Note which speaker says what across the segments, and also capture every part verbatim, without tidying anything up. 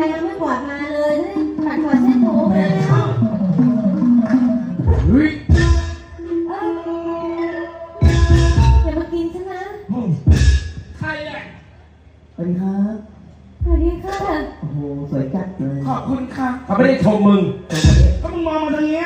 Speaker 1: ยังไม่กวาดมาเลยขัดหัวเส้นถูมาแล้ว
Speaker 2: เฮ้ย
Speaker 1: เอ้ยอย่ามากินฉันนะ
Speaker 2: ใครอ่ะ
Speaker 3: สวัสดีครับ
Speaker 1: สวัสดีค่ะ
Speaker 3: โอ้โหสวยจัดเลย
Speaker 2: ขอบคุณค่ะเขาไม่ได้ชมมึงก็มึงมองมาทางเนี้ย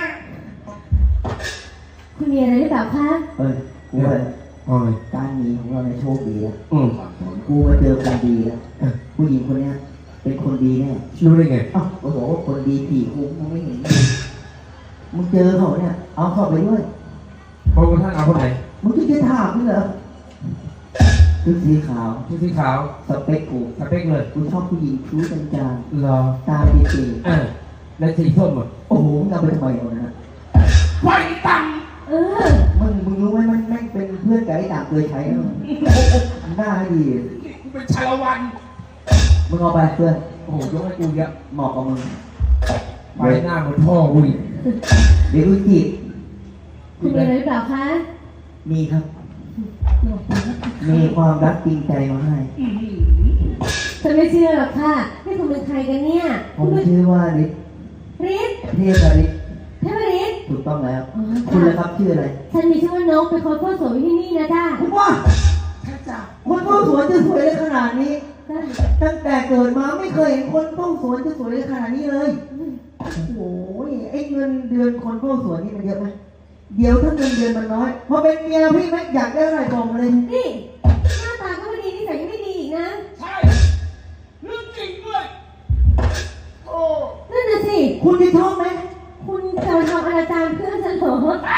Speaker 1: คุณมีอะไรหรือเปล่าคะ
Speaker 3: เอ้ยกูว่า
Speaker 2: โอ้ย
Speaker 3: การหนีของเราในโชคดีแล้ว
Speaker 2: อืม
Speaker 3: กูมาเจอคนดีแล้วผู้หญิงคนเนี้ยเป็นคนดีแน่
Speaker 2: รู้ได้ไง
Speaker 3: อ้าวกูบอกว่าคนดีผีกูมึงไม่เห็นมึงเจอเขาเนี่ยเอาเข้าไปด้วย
Speaker 2: พระองค์ท่านเอาคนไหน
Speaker 3: มึงจะจะถามมึงเหรอชุดสีขาว
Speaker 2: ผู้สีขาว
Speaker 3: สเปคกู
Speaker 2: สเปคเลย
Speaker 3: กูชอบผู้หญิงคิ้วจาง
Speaker 2: รอ
Speaker 3: ๆตาปีตี
Speaker 2: เออแล้วสีส้มอ่ะ
Speaker 3: โอ้โหมึงเอาไปทำไมเอานะ
Speaker 2: ไฟตัง
Speaker 1: เออ
Speaker 3: มึงมึงรู้ไหมมันแม่งเป็นเพื่อนกับไอ้ต่างเคยใช้นะหน้าดี
Speaker 2: กูเป็นชาละวัน
Speaker 3: มึงเอาไปเพื่อน
Speaker 2: โอ้โหยกให้กูเยอะ
Speaker 3: เหมาะกับมึง
Speaker 2: ไฟหน้าเหมือนพ่อกูอีก
Speaker 3: เดี๋ยวกูจีบ
Speaker 1: คุณมีอะไรหรือเปล่าคะ
Speaker 3: มีครับ มีความรักจริงใจมาให้
Speaker 1: ฉันไม่เชื่อหรอกค่ะนี่คุณเป็นใครกันเนี่ย
Speaker 3: ผมชื่อว่าฤทธิ์
Speaker 1: ฤทธิ์
Speaker 3: เทพฤทธิ์
Speaker 1: เทพฤทธิ์
Speaker 3: ถูกต้องแล้ว
Speaker 1: อ๋อ
Speaker 3: คุณล่ะครับชื่ออะไร
Speaker 1: ฉันมีชื่อว่านกเป็นคนพ่อสวยที่นี่นะจ้า
Speaker 3: คุณว่า
Speaker 2: ถ้าจับ
Speaker 3: คนเฝ้าสวนจะสวยได้ขนาดนี้ ตั้งแต่เกิดมาไม่เคยเห็นคนเฝ้าสวนจะสวยได้ขนาดนี้เลย โอ้โหไอ้เงินเดือนคนเฝ้าสวนนี่มันเยอะไหมเดี๋ยวถ้าเงินเดือนมันน้อยพอเป็นเมียพี่ไม่อยากได้อะไรบอกมาเลย
Speaker 1: นี่หน้าตาก็ไม่ดีนิสัยก็ไม่ดีอีกนะ
Speaker 2: ใช่เรื่องจริงด้วยโอ้
Speaker 1: นั่นน่ะสิ
Speaker 3: คุณจะชอบไหม
Speaker 1: คุณจะมาทำอนาจารเพื่อนฉันเหรอ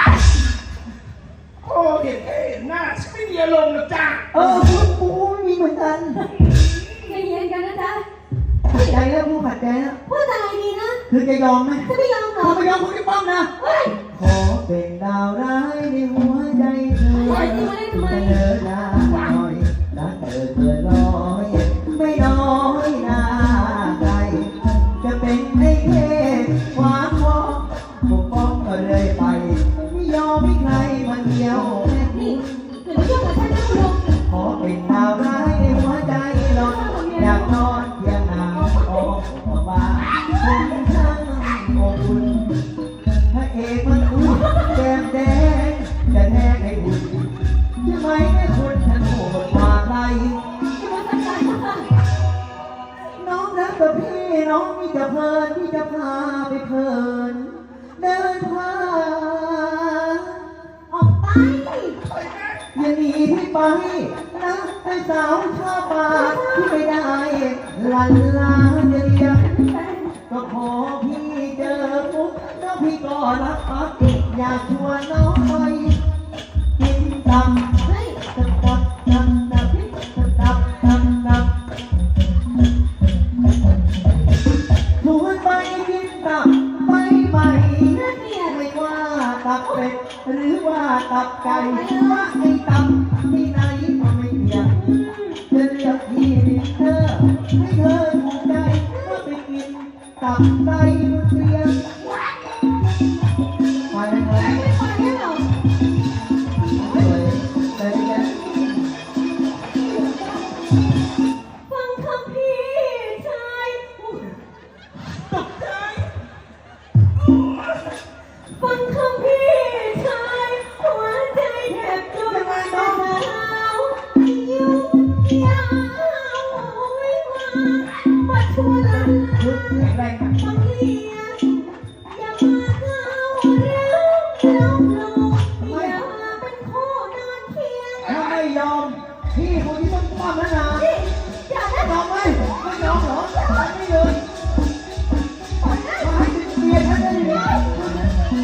Speaker 2: โอ้เห็นแค่เห็นหน้าฉันไม่มีอารมณ์หรอกจ้า
Speaker 3: เออคุณกูมีเหมือนกัน
Speaker 1: ใจเย็นกันนะจ๊ะ
Speaker 3: ขัดใจแล้วกูขัดใจแล้ว
Speaker 1: พูดอะไรดีนะ
Speaker 3: คือจะยอมไหม
Speaker 1: จะไม่ยอมหรอ
Speaker 3: ถ้าไม่ยอมคุณจะป้องนะ
Speaker 1: เฮ้ย
Speaker 3: ขอเป็นดาวร้ายในหัวใจเธอจะเดินหน้าหน่อยรักเธอเกินร้อยไม่น้อยหน้าใครจะเป็นไอ้เทพหวานวอปกป้องก็เลยไปไม่ยอมให้ใครมาเกี่ยวแม่
Speaker 1: นี่อย่ามายุ่งกับฉันนะคุณลุง
Speaker 3: ขอเป็นดาวร้ายในหัวใจหลอนอยากนอนเพียงนางออกมาคุณช่างอบอุ่นพระเอกมันอุ่นแก้มแดงจะแทงให้หุ่นใช่ไหมแม่คุณฉันโหดกว่าใคร
Speaker 1: จะมาทำอะไรคะ
Speaker 3: น้องรักกับพี่น้องมีจะเพลินที่จะพาไปเพลินเดินผ่าน
Speaker 1: ออกไป
Speaker 3: อย่าหนีพี่ไปนะไอ้สาวชอบมาที่ไม่ได้ลันลาเดียกก็ขอพี่เจอปุ๊บแล้วพี่ก็รับปักอยากชวนน้องไปกินตำ
Speaker 1: เฮ้ย
Speaker 3: ตับตับตับตับตับตับตับชวนไปกินตับไปใหม่
Speaker 1: น่าเกลียด
Speaker 3: ไม่ว่าตับเป็ดหรือว่าตับไก่ว่าไอ้ตับที่ไหนก็ไม่เกี่ยงจะเลือกที่เธอให้เธอถูกใจก็ไปกินตับไก่มันเสียงไปเลย
Speaker 1: ไม่ไปได้หรอ
Speaker 3: เลยเลยเนี่ย
Speaker 1: ฟังคำพี่ชาย
Speaker 2: ตกใจ
Speaker 1: ฟังคำพี่ชายหัวใจแทบจุดเท้ายุ่งยาววิวามาชวนลัน
Speaker 3: ชุดแข็งแรงอะ
Speaker 1: ฟังเลี้ยงอย่ามาเก้าวร้าวล้มลงอย่าเป็นคู่นอนเคียง
Speaker 3: ถ้าไม่ยอมพี่คนที่ต้องป้อมแล้วนะ
Speaker 1: นี่อย่าได้
Speaker 3: ยอมไหมไม่ยอมเหรอไม่เลยมาให้เมียฉันได้ไหม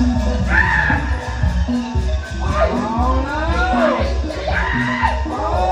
Speaker 2: เอาแล้วโอ้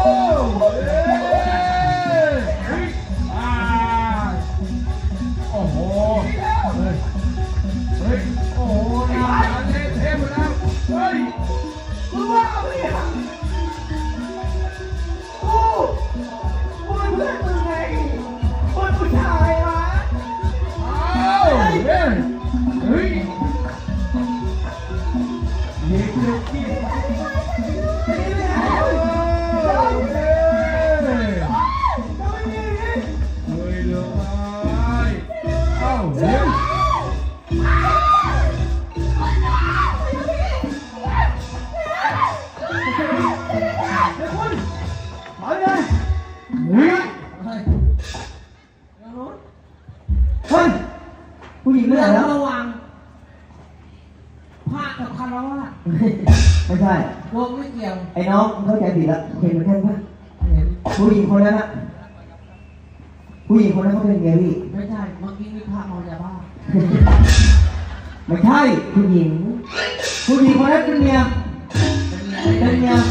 Speaker 3: ญิงไม่
Speaker 2: เรื่
Speaker 3: ได้
Speaker 2: อง
Speaker 3: แล้ว
Speaker 2: ระหว่างพระกับคารวะ
Speaker 3: ไม่ใช่
Speaker 2: โยมไม่เกี่ยว
Speaker 3: ไอ้น้องมึงเข้าใจผิดแล้วเห็นเหมือนกันปะ
Speaker 2: เห็น
Speaker 3: ผู้หญิงคนนั้นอะผู้หญิงคนนั้นเขาเป็นเมียพี่
Speaker 2: ไม่ใช่เมื่อกี้มีพระเมายาบ้า
Speaker 3: ไม่ใช่ผู้หญิง ผู้หญิงคนนั้นเป็นเมีย
Speaker 2: เป็น
Speaker 3: เป็น
Speaker 2: ไง
Speaker 3: เมีย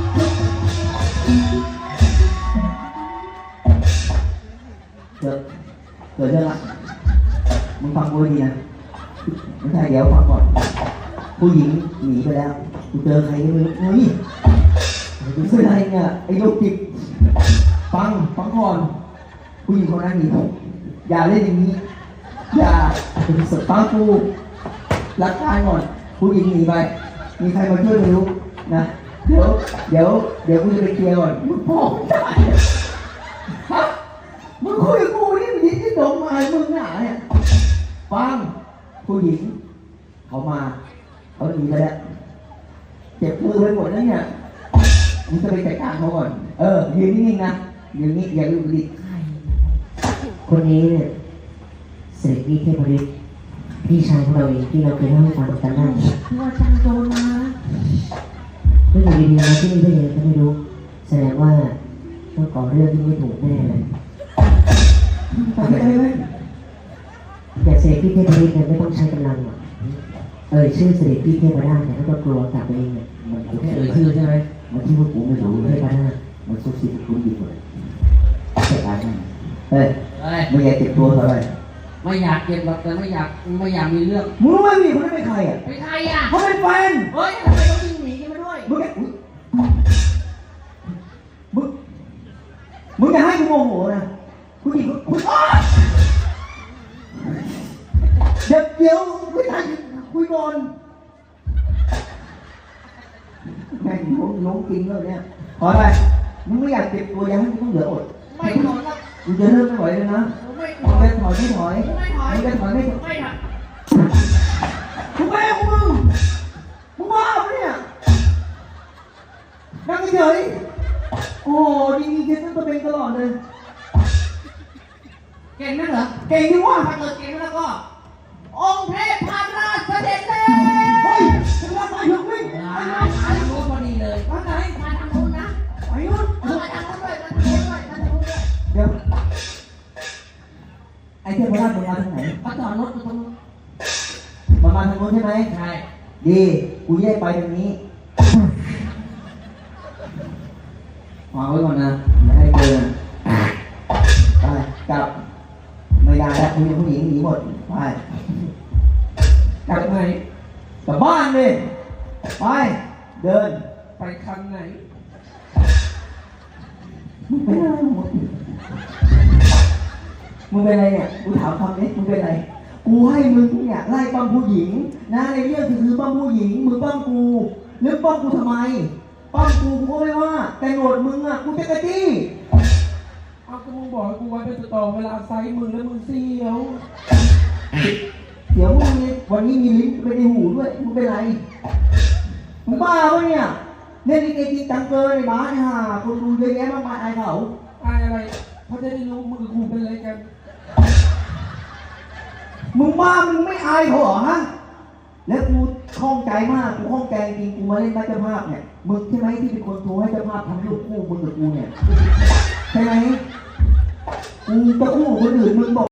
Speaker 3: เกิดเกิดเรื่องละมึงฟังกูให้ดีนะไม่ใช่เดี๋ยวฟังก่อน ผู้หญิงหนีไปแล้วกูเจอใครก็ไม่รู้เฮ้ยกูเป็นอะไรเนี่ยไอ้โรคจิตฟังฟังก่อน ผู้หญิงคนนั้นหนีอย่าเล่นอย่างนี้ อย่าสดฟังกูรักทายก่อนผู้หญิงหนีไป มีใครมาช่วยไม่รู้นะ เดี๋ยว เดี๋ยว เดี๋ยวกูจะไปเคลียร์ก่อนมึงพ่อไม่ได้ฮะมึงคุยกับกูนี่มึงที่โดนมามึงหนาเนี่ยฟังผู้หญิง เขามา เขาหนีไปแล้ว เจ็บมือไปหมดแล้วเนี่ยมึงจะไปจัดการเขาก่อน เออ ยืนนิ่งๆนะยืนนิ่งอย่าลุกดิ
Speaker 4: คนนี้เนี่ยเสด็จพี่เทพฤทธิ์พี่ชายของเราเองที่เราเคยเล่าให้ฟังกันนั่น
Speaker 2: ที่ว่าจังโจรมา
Speaker 4: ไม่อยู่ดีๆมาที่นี่ได้ยังไงก็ไม่รู้ แสดงว่าต้องก่อเรื่องที่ไม่ถูกแน่เลย
Speaker 3: ไปไปไป
Speaker 4: แต่เสด็จพี่เทพฤทธิ์เนี่ยไม่ต้องใช้กำลังหรอกเอ่ยชื่อเสด็จพี่เทพราชเนี่ยแล้วก็กลัวกลับตัวเองเนี่ย
Speaker 3: มัน
Speaker 2: แค่เอ่ยชื่อใช่ไหม
Speaker 3: มันที่ว่ากูไม่รู้
Speaker 4: เท
Speaker 3: เลย
Speaker 4: พราช
Speaker 3: มันซุกซิบกูดีหมดจัดการมันเฮ้ย
Speaker 2: เฮ้ย
Speaker 3: ไม่อยากเจ็บตัวเท่าไหร่
Speaker 2: ไม่อยากเก็บหรอกแต่ไม่อยากไม่อยากมีเรื่อง
Speaker 3: มึงรู้ไหมพี่คนนั้นเป็นใครอ่ะ
Speaker 2: เป็นใครอ่ะ
Speaker 3: เขาเป็นแฟน
Speaker 2: เฮ้ยทำไมต้องวิ่งหนีกันมาด้วย
Speaker 3: มึงแกอุ๊ยมึง มึงอย่าให้กูโมโหนะผู้หญิงกูอ้าวเดี๋ยวเดี๋ยวไม่ทันคุยก่อนแม่งล้มล้มกินแล้วเนี่ยขอไปมึงไม่อยากเจ็บตัวอยังให้มึงต้องเหลืออด
Speaker 2: ไม่ถอนครับ
Speaker 3: มึงจะเริ่มไม่ไหวเลยนะ
Speaker 2: ผมไม่ถ
Speaker 3: มึ
Speaker 2: อง น
Speaker 3: จะถอยไม่ถอย
Speaker 2: ไม่ถอย
Speaker 3: มึงจะถอยไม่ถอย
Speaker 2: ไม่ถอย
Speaker 3: มึงแม่ของมึงมึงบ้าปะเนี่ยนั่งเฉยๆโอ้โหดีๆเจ๊ต้องตัวเป็นตลอดเลย
Speaker 2: เก่งนักเหรอ
Speaker 3: เก่งดีว่ะ
Speaker 2: ถ้าเกิดเก่งแล้วก็ องค์เทพพาราชเสด็จเลย
Speaker 3: เฮ้ยถึงแล้วไปถึงวิ่ง
Speaker 2: อ่ามาทางนู้นพอดีเลย
Speaker 3: มาไหน
Speaker 2: มาทางนู้นนะ
Speaker 3: ไปนู่น
Speaker 2: เออมาทางนู้นด้วยมาทางนู้นด้วยมาทางนู้นด้วย
Speaker 3: เดี๋ยวไอ้เทพราชมึงมาทางไหน
Speaker 2: มาจอดรถอยู่ตรงนู้น
Speaker 3: มามาทางโน้นใช่ไหม
Speaker 2: ใช่
Speaker 3: ดีกูแยกไปทางนี้วางไว้ก่อนนะอย่าให้เจอนะไปกลับไม่ได้แล้วคุณผู้หญิงหนีหมดไปกลับไหนกลับบ้านเลยไปเดิน
Speaker 2: ไปคันไหน
Speaker 3: มึงเป็นอะไรหมดมึงเป็นอะไรเนี่ยกูถามคำนี้มึงเป็นอะไรกูให้มึงเนี่ยไล่ปั้มผู้หญิงนะในเรื่องคือคือปั้มผู้หญิงมึงปั้มกูหรือปั้มกูทำไมปั้มกูกูก็ไม่ว่า แต่โหนดมึงอ่ะกูจะกระจี้
Speaker 2: เอาก็มึงบอกให้กูไว้เป็นต่อเวลาไซส์มึงแล้วมึงเสียว
Speaker 3: เดี๋ยวมึงเนี่ยวันนี้มีลิ้นไปในหูด้วยมึงเป็นไรมึงบ้าปะเนี่ยเล่นลิเกจริงจังเกินไอ้บ้าเนี่ยฮะคนดูเยอะแยะมากมายอายเขา
Speaker 2: อายอะไรเขาจะได้รู้มึงกับกูเป็นอะไรกัน
Speaker 3: มึงบ้ามึงไม่อายเขาเหรอฮะแล้วกูข้องใจมากกูข้องใจจริงกูมาเล่นบ้านเจ้าภาพเนี่ยมึงใช่ไหมที่เป็นคนโทรให้เจ้าภาพทำรูปคู่มึงกับกูเนี่ยใช่ไหมกูจะคู่กับคนอื่นมึงบอก